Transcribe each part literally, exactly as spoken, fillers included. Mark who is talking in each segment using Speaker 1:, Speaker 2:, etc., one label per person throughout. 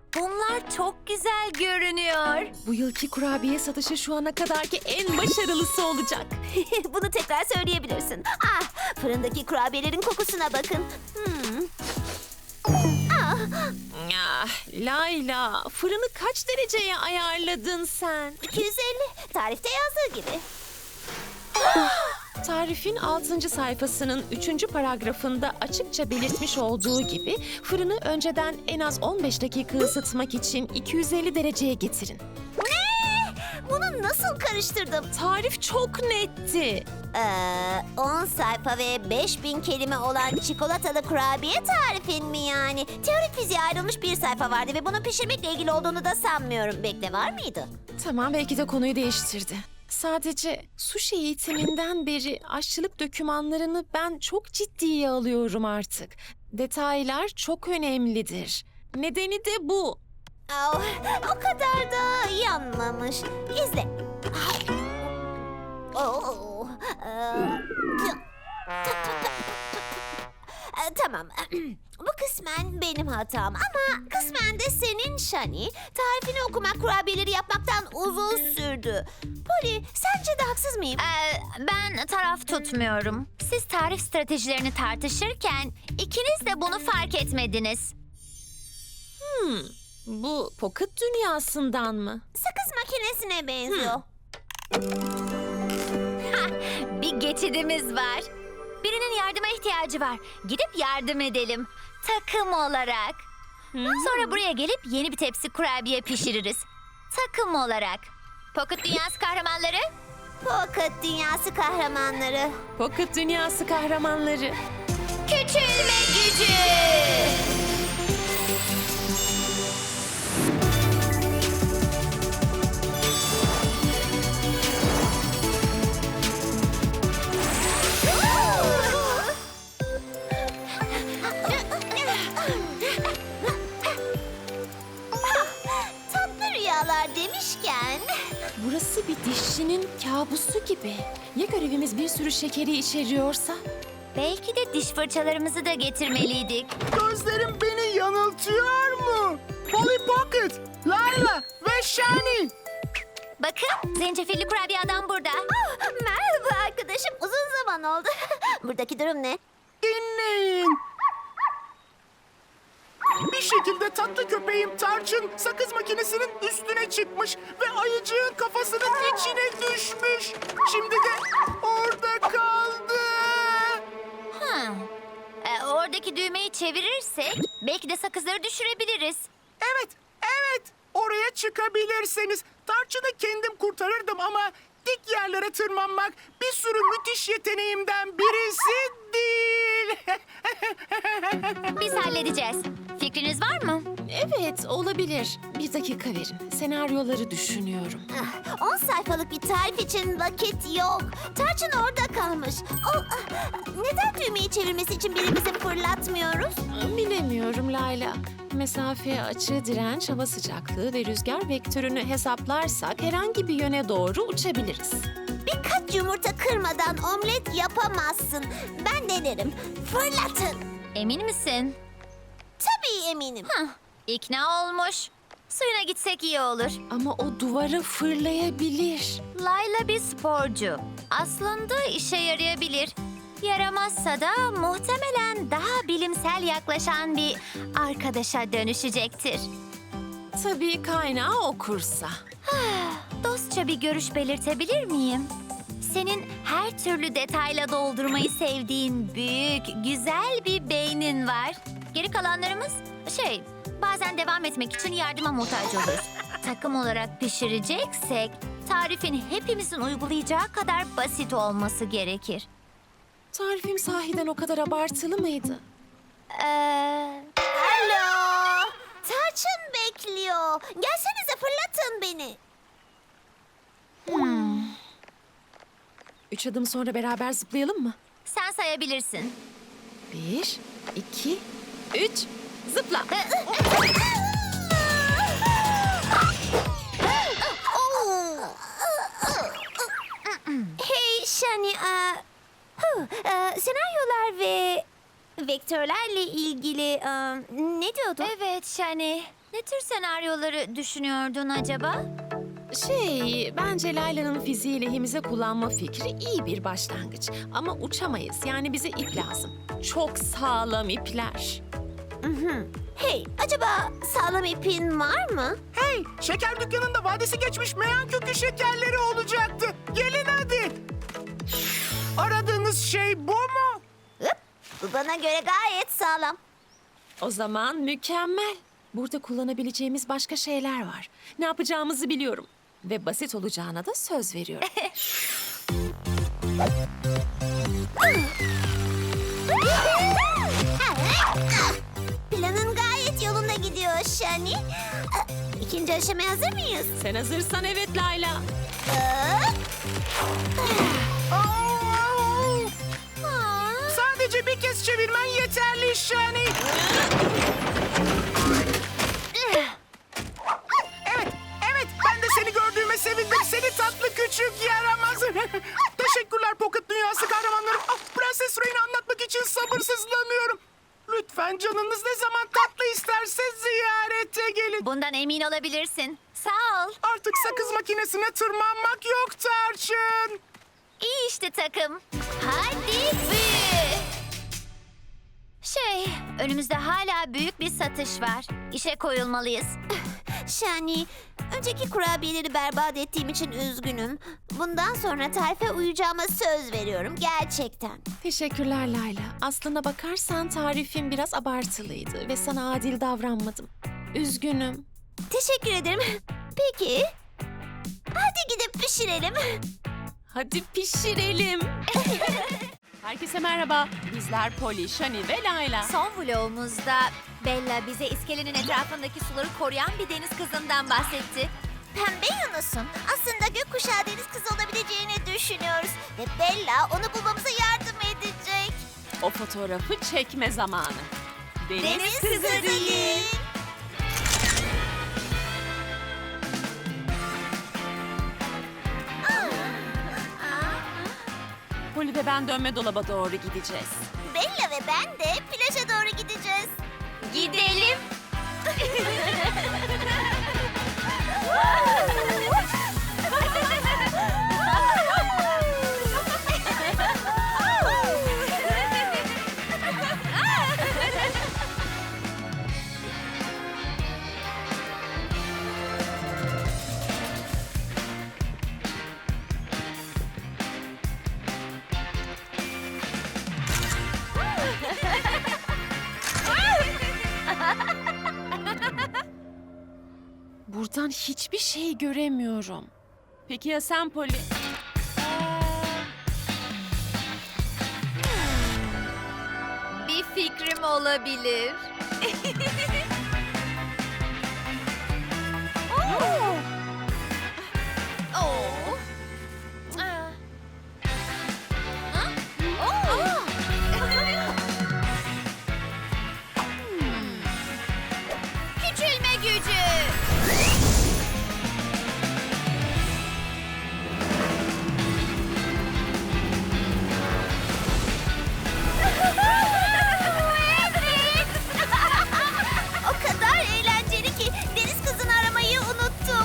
Speaker 1: Bunlar çok güzel görünüyor.
Speaker 2: Bu yılki kurabiye satışı şu ana kadarki en başarılısı olacak.
Speaker 3: Bunu tekrar söyleyebilirsin. Ah, fırındaki kurabiyelerin kokusuna bakın. Hmm.
Speaker 2: Ah, Layla, fırını kaç dereceye ayarladın sen?
Speaker 3: iki yüz elli. Tarifte yazdığı gibi.
Speaker 2: Tarifin altıncı sayfasının üçüncü paragrafında açıkça belirtmiş olduğu gibi fırını önceden en az on beş dakika ısıtmak için iki yüz elli dereceye getirin.
Speaker 3: Ne? Bunu nasıl karıştırdım?
Speaker 2: Tarif çok netti.
Speaker 3: Ee, on sayfa ve beş bin kelime olan çikolatalı kurabiye tarifin mi yani? Teorik fiziğe ayrılmış bir sayfa vardı ve bunun pişirmekle ilgili olduğunu da sanmıyorum. Bekle, var mıydı?
Speaker 2: Tamam, belki de konuyu değiştirdi. Sadece sushi eğitiminden beri aşçılık dokümanlarını ben çok ciddiye alıyorum artık. Detaylar çok önemlidir. Nedeni de bu.
Speaker 3: Oh, o kadar da yanmamış. İzle. Oh, ee, Ee, Tamam. Bu kısmen benim hatam ama kısmen de senin Shani. Tarifini okumak kurabiyeleri yapmaktan uzun sürdü. Polly, sence de haksız mıyım?
Speaker 1: Ee, ben taraf tutmuyorum. Siz tarif stratejilerini tartışırken ikiniz de bunu fark etmediniz.
Speaker 2: Hmm, bu pocket dünyasından mı?
Speaker 3: Sakız makinesine benziyor.
Speaker 1: Bir geçidimiz var. Birinin yardıma ihtiyacı var. Gidip yardım edelim. Takım olarak. Sonra buraya gelip yeni bir tepsi kurabiye pişiririz. Takım olarak. Pocket Dünyası kahramanları.
Speaker 3: Pocket dünyası kahramanları.
Speaker 2: Pocket dünyası kahramanları.
Speaker 1: Küçülme gücü.
Speaker 3: Tatlı rüyalar demişken...
Speaker 2: Burası bir dişçinin kabusu gibi. Ya görevimiz bir sürü şekeri içeriyorsa?
Speaker 1: Belki de diş fırçalarımızı da getirmeliydik.
Speaker 4: Gözlerim beni yanıltıyor mu? Polly Pocket, Layla ve Shani.
Speaker 1: Bakın, zencefilli kurabiye adam burada.
Speaker 3: Ah, merhaba arkadaşım, uzun zaman oldu. Buradaki durum ne?
Speaker 4: Dinleyin. Bir şekilde tatlı köpeğim Tarçın sakız makinesinin üstüne çıkmış ve ayıcığın kafasının içine düşmüş. Şimdi de orada kaldı.
Speaker 1: Hmm. Ee, oradaki düğmeyi çevirirsek belki de sakızları düşürebiliriz.
Speaker 4: Evet, evet. Oraya çıkabilirseniz Tarçın'ı kendim kurtarırdım ama dik yerlere tırmanmak bir sürü müthiş yeteneğimden birisi değil.
Speaker 1: Biz halledeceğiz. Fikriniz var mı?
Speaker 2: Evet, olabilir. Bir dakika verin. Senaryoları düşünüyorum.
Speaker 3: Ah, on sayfalık bir tarif için vakit yok. Tarçın orada kalmış. O, ah, neden düğmeyi çevirmesi için birimizi fırlatmıyoruz?
Speaker 2: Bilemiyorum Layla. Mesafe, açı, direnç, hava sıcaklığı ve rüzgar vektörünü hesaplarsak herhangi bir yöne doğru uçabiliriz.
Speaker 3: Birkaç yumurta kırmadan omlet yapamazsın. Ben denerim. Fırlatın.
Speaker 1: Emin misin?
Speaker 3: Tabii eminim.
Speaker 1: Hah, ikna olmuş. Suyuna gitsek iyi olur.
Speaker 2: Ama o duvara fırlayabilir.
Speaker 1: Layla bir sporcu. Aslında işe yarayabilir. Yaramazsa da muhtemelen daha bilimsel yaklaşan bir arkadaşa dönüşecektir.
Speaker 2: Tabii kaynağı okursa.
Speaker 1: Dostça bir görüş belirtebilir miyim? Senin her türlü detayla doldurmayı sevdiğin büyük, güzel bir beynin var. Geri kalanlarımız şey, bazen devam etmek için yardıma muhtaç oluruz. Takım olarak pişireceksek, tarifin hepimizin uygulayacağı kadar basit olması gerekir.
Speaker 2: Tarifim sahiden o kadar abartılı mıydı?
Speaker 1: Ee,
Speaker 3: Alo. Tarçın bekliyor. Gelsenize fırlatın beni.
Speaker 2: Üç adım sonra beraber zıplayalım mı?
Speaker 1: sen sayabilirsin.
Speaker 2: Bir, iki, üç, zıpla.
Speaker 3: Hey Shani, e, hı, e, senaryolar ve vektörlerle ilgili e, ne diyordun?
Speaker 1: Evet Şani. Ne tür senaryoları düşünüyordun acaba?
Speaker 2: Şey, bence Layla'nın fiziği lehimize kullanma fikri iyi bir başlangıç. Ama uçamayız, yani bize ip lazım. Çok sağlam ipler.
Speaker 3: Hey, acaba sağlam ipin var mı?
Speaker 4: Hey, şeker dükkanında vadesi geçmiş meyan kökü şekerleri olacaktı. Gelin hadi. Aradığınız şey bu mu?
Speaker 3: Hıp, bu bana göre gayet sağlam.
Speaker 2: O zaman mükemmel. Burada kullanabileceğimiz başka şeyler var. Ne yapacağımızı biliyorum. Ve basit olacağına da söz veriyorum.
Speaker 3: Planın gayet yolunda gidiyor Shani. İkinci aşamaya hazır mıyız?
Speaker 2: Sen hazırsan evet Layla.
Speaker 3: Hop.
Speaker 4: Oo! Sadece bir kez çevirmen yeterli Shani. Evet, evet. Ben de seni gördüğüme sevindim. Seni tatlı küçük yaramaz. Teşekkürler Pocket Dünyası kahramanlarım. Ah, Prenses Ray'ni anlatmak için sabırsızlanıyorum. Lütfen canınız ne zaman tatlı isterse ziyarete gelin.
Speaker 1: Bundan emin olabilirsin. Sağ ol.
Speaker 4: Artık sakız makinesine tırmanmak yok Tarçın.
Speaker 1: İyi işte takım. Hadi büyü. Şey, önümüzde hala büyük bir satış var. İşe koyulmalıyız.
Speaker 3: Shani, önceki kurabiyeleri berbat ettiğim için üzgünüm. Bundan sonra tarife uyacağıma söz veriyorum gerçekten.
Speaker 2: Teşekkürler Layla. Aslına bakarsan tarifim biraz abartılıydı ve sana adil davranmadım. Üzgünüm.
Speaker 3: Teşekkür ederim. Peki, hadi gidip pişirelim.
Speaker 2: Hadi pişirelim. Herkese merhaba. Bizler Polly, Shani ve Layla.
Speaker 1: Son vlogumuzda Bella bize iskelenin etrafındaki suları koruyan bir deniz kızından bahsetti.
Speaker 3: Pembe Yunus'un aslında gökkuşağı deniz kızı olabileceğini düşünüyoruz. Ve Bella onu bulmamıza yardım edecek.
Speaker 2: O fotoğrafı çekme zamanı.
Speaker 3: Deniz kızı değil.
Speaker 2: Polly ve ben dönme dolaba doğru gideceğiz.
Speaker 3: Bella ve ben de plaja doğru gideceğiz.
Speaker 1: Gidelim.
Speaker 2: Buradan hiçbir şey göremiyorum. Peki ya sen Polly?
Speaker 1: Bir fikrim olabilir. Oo. Ah. Ha? Oo. Hmm. Küçülme gücü.
Speaker 3: O kadar eğlenceli ki deniz kızını aramayı unuttum.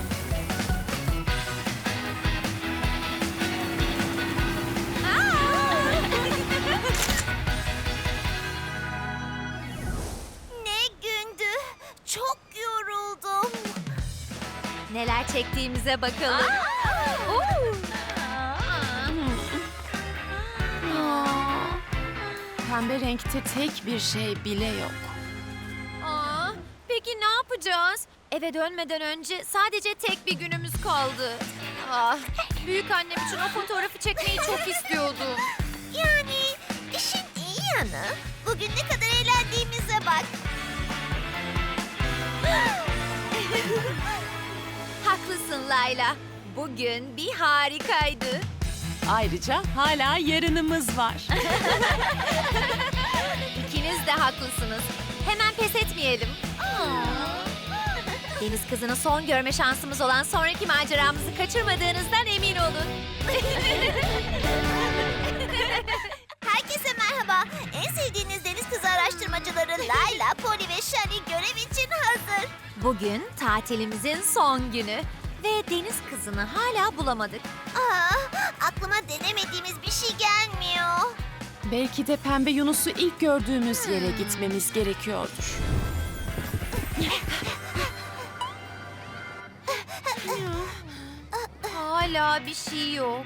Speaker 3: Ne gündü. Çok yoruldum.
Speaker 1: Neler çektiğimize bakalım. Oo.
Speaker 2: Pembe renkte tek bir şey bile yok.
Speaker 1: Aa, peki ne yapacağız? Eve dönmeden önce sadece tek bir günümüz kaldı. Ah, büyük annem için o fotoğrafı çekmeyi çok istiyordum.
Speaker 3: Yani işin iyi yanı bugün ne kadar eğlendiğimize bak.
Speaker 1: Haklısın Layla. Bugün bir harikaydı.
Speaker 2: Ayrıca hala yarınımız var.
Speaker 1: İkiniz de haklısınız. Hemen pes etmeyelim. Deniz kızını son görme şansımız olan sonraki maceramızı kaçırmadığınızdan emin olun.
Speaker 3: Herkese merhaba. En sevdiğiniz deniz kızı araştırmacıları Layla, Polly ve Shani görev için hazır.
Speaker 1: Bugün tatilimizin son günü ve deniz kızını hala bulamadık.
Speaker 3: Aa, aklıma denemediğimiz bir şey gelmiyor.
Speaker 2: Belki de pembe Yunus'u ilk gördüğümüz yere gitmemiz gerekiyordur.
Speaker 1: Hala bir şey yok.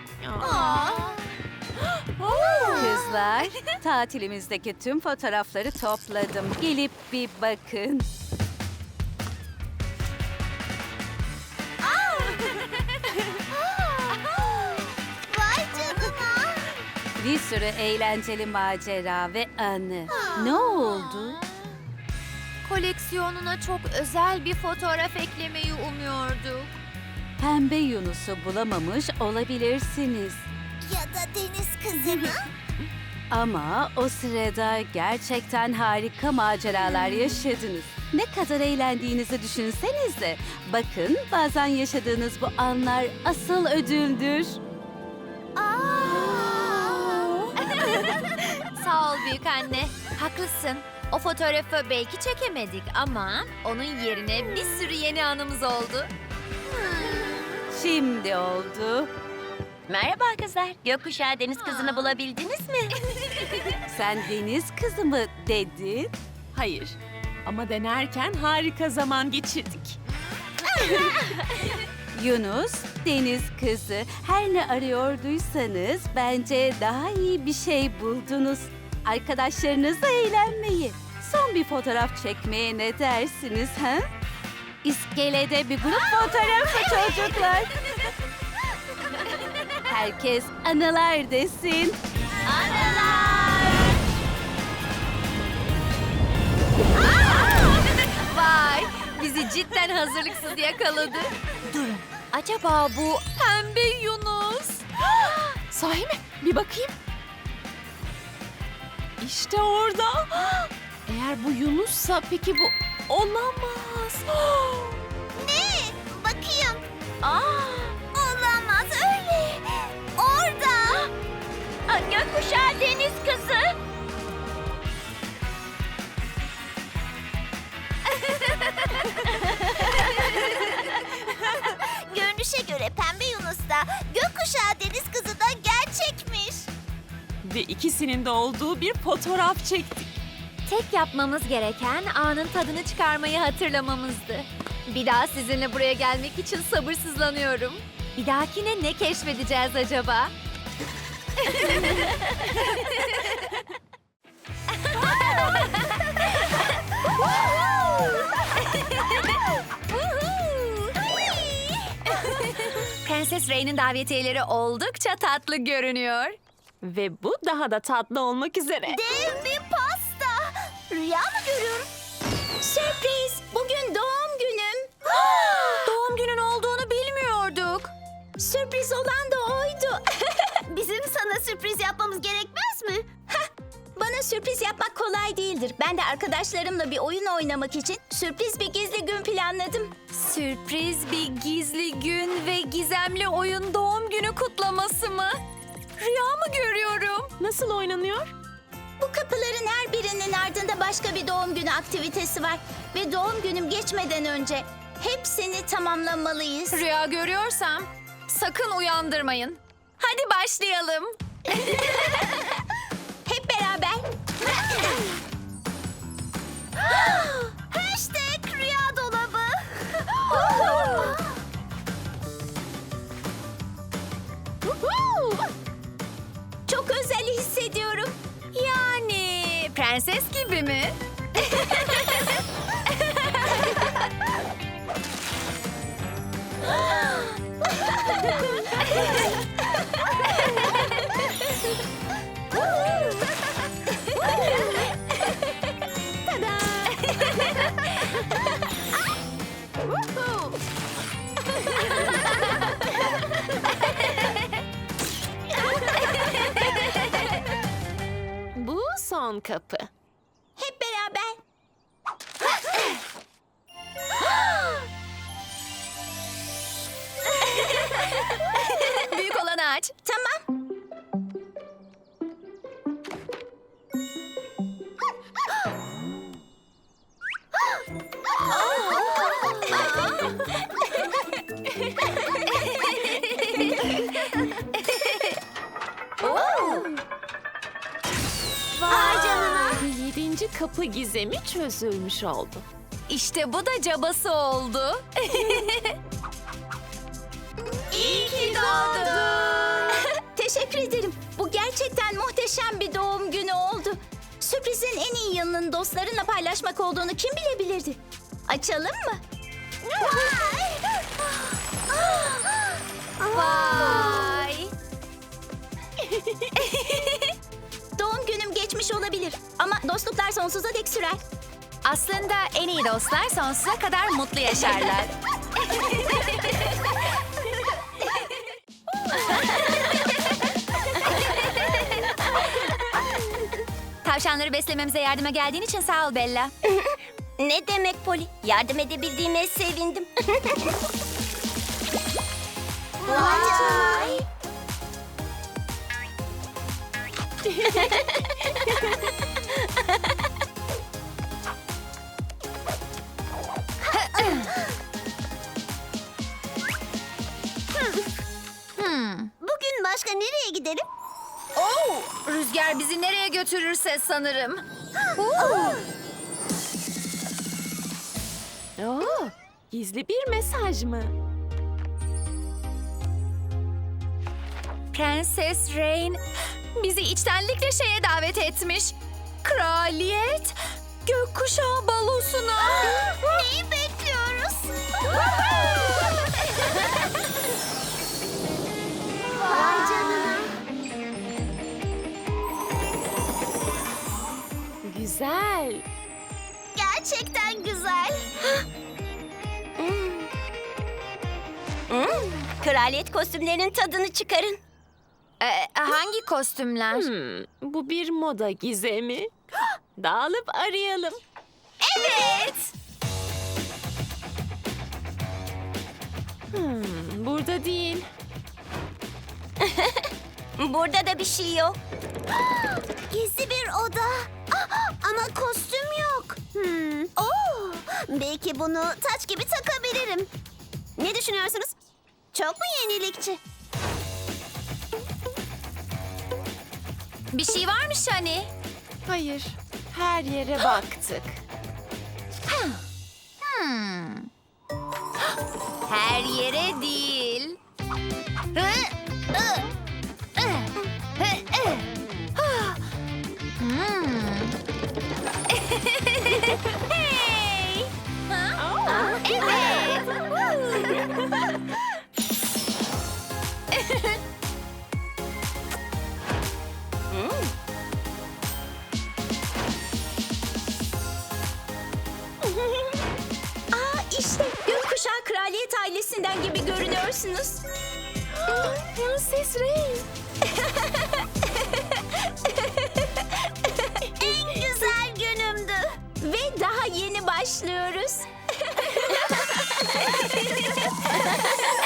Speaker 5: Kızlar, tatilimizdeki tüm fotoğrafları topladım. Gelip bir bakın.
Speaker 3: Vay canına.
Speaker 5: Bir sürü eğlenceli macera ve anı. Ne oldu?
Speaker 1: Koleksiyonuna çok özel bir fotoğraf eklemeyi umuyorduk.
Speaker 5: Pembe Yunus'u bulamamış olabilirsiniz.
Speaker 3: Ya da deniz kızını.
Speaker 5: Ama o sırada gerçekten harika maceralar yaşadınız. Ne kadar eğlendiğinizi düşünsenize. Bakın, bazen yaşadığınız bu anlar asıl ödüldür.
Speaker 1: Sağ ol büyük anne. Haklısın. O fotoğrafı belki çekemedik ama onun yerine bir sürü yeni anımız oldu.
Speaker 5: Şimdi oldu.
Speaker 1: Merhaba kızlar. Gökkuşağı deniz kızını bulabildiniz mi?
Speaker 5: Sen deniz kızı mı dedin?
Speaker 2: Hayır. Ama denerken harika zaman geçirdik.
Speaker 5: Yunus, deniz kızı. Her ne arıyorduysanız bence daha iyi bir şey buldunuz. Arkadaşlarınızla eğlenmeyi, son bir fotoğraf çekmeye ne dersiniz ha? İskelede bir grup fotoğrafı çocuklar. Herkes anılar desin.
Speaker 1: Vay! Bizi cidden hazırlıksız yakaladı. Durun. Acaba bu pembe Yunus?
Speaker 2: Sahi mi? Bir bakayım. İşte orada. Eğer bu Yunus'sa peki bu olamaz.
Speaker 3: Ne? Bakayım. Aa, olamaz öyle. Orada.
Speaker 1: Aa, Gökkuşağı deniz kızı.
Speaker 3: Görünüşe göre Pembe Yunus da gökkuşağı deniz kızı da gerçekmiş.
Speaker 2: Ve ikisinin de olduğu bir fotoğraf çektik.
Speaker 1: Tek yapmamız gereken anın tadını çıkarmayı hatırlamamızdı. Bir daha sizinle buraya gelmek için sabırsızlanıyorum. Bir dahakine ne keşfedeceğiz acaba? Prenses Rey'nin davetiyeleri oldukça tatlı görünüyor.
Speaker 2: Ve bu daha da tatlı olmak üzere.
Speaker 3: Dev bir pasta. Rüya mı görüyorum? Sürpriz. Bugün doğum günüm.
Speaker 1: Doğum günün olduğunu bilmiyorduk.
Speaker 3: Sürpriz olan da oydu. Bizim sana sürpriz yapmamız gerekmez mi? Bana sürpriz yapmak kolay değildir. Ben de arkadaşlarımla bir oyun oynamak için sürpriz bir gizli gün planladım.
Speaker 1: Sürpriz bir gizli gün ve gizemli oyun doğum günü kutlaması mı? Rüya mı görüyorum?
Speaker 2: Nasıl oynanıyor?
Speaker 3: Bu kapıların her birinin ardında başka bir doğum günü aktivitesi var. Ve doğum günüm geçmeden önce hepsini tamamlamalıyız.
Speaker 1: Rüya görüyorsam sakın uyandırmayın. Hadi başlayalım.
Speaker 3: Hep beraber. Hashtag rüya dolabı. Çok özel hissediyorum.
Speaker 1: Yani prenses gibi mi?
Speaker 2: Bu son kapı.
Speaker 3: Hep beraber.
Speaker 1: Büyük olanı aç.
Speaker 3: Tamam.
Speaker 2: kapı gizemi çözülmüş oldu.
Speaker 1: İşte bu da cabası oldu.
Speaker 3: İyi ki doğdun. Teşekkür ederim. Bu gerçekten muhteşem bir doğum günü oldu. Sürprizin en iyi yanının dostlarınla paylaşmak olduğunu kim bilebilirdi? Açalım mı?
Speaker 1: Vay.
Speaker 3: Doğum günüm geçmiş olabilir ama dostluklar sonsuza dek sürer.
Speaker 1: Aslında en iyi dostlar sonsuza kadar mutlu yaşarlar. Tavşanları beslememize yardıma geldiğin için sağ ol Bella.
Speaker 3: Ne demek Poli? Yardım edebildiğime sevindim. Vay! Bugün başka nereye gidelim?
Speaker 1: Oo, rüzgar bizi nereye götürürse sanırım.
Speaker 2: Oo, gizli bir mesaj mı?
Speaker 1: Prenses Rain bizi içtenlikle şeye davet etmiş. Kraliyet gökkuşağı balosuna.
Speaker 3: Neyi bekliyoruz? Vay canına.
Speaker 2: Güzel.
Speaker 3: Gerçekten güzel. Hmm, Kraliyet kostümlerinin tadını çıkarın.
Speaker 1: Ee, hangi kostümler?
Speaker 2: Hmm, bu bir moda gizemi. Dağılıp arayalım.
Speaker 1: Evet.
Speaker 2: Hmm, burada değil.
Speaker 3: Burada da bir şey yok. Gizli bir oda. Ama kostüm yok. Hmm. Oo, belki bunu taç gibi takabilirim. Ne düşünüyorsunuz? Çok mu yenilikçi?
Speaker 1: Bir şey varmış hani.
Speaker 2: Hayır, her yere baktık.
Speaker 1: Hmm. Her yere değil. Hı, ı, ı, hı, ı. Hmm. Hey. Ha? Evet.
Speaker 3: Aa, işte gökkuşağı kraliyet ailesinden gibi görünüyorsunuz.
Speaker 2: Prenses Rain.
Speaker 3: En güzel günümdü. Ve daha yeni başlıyoruz.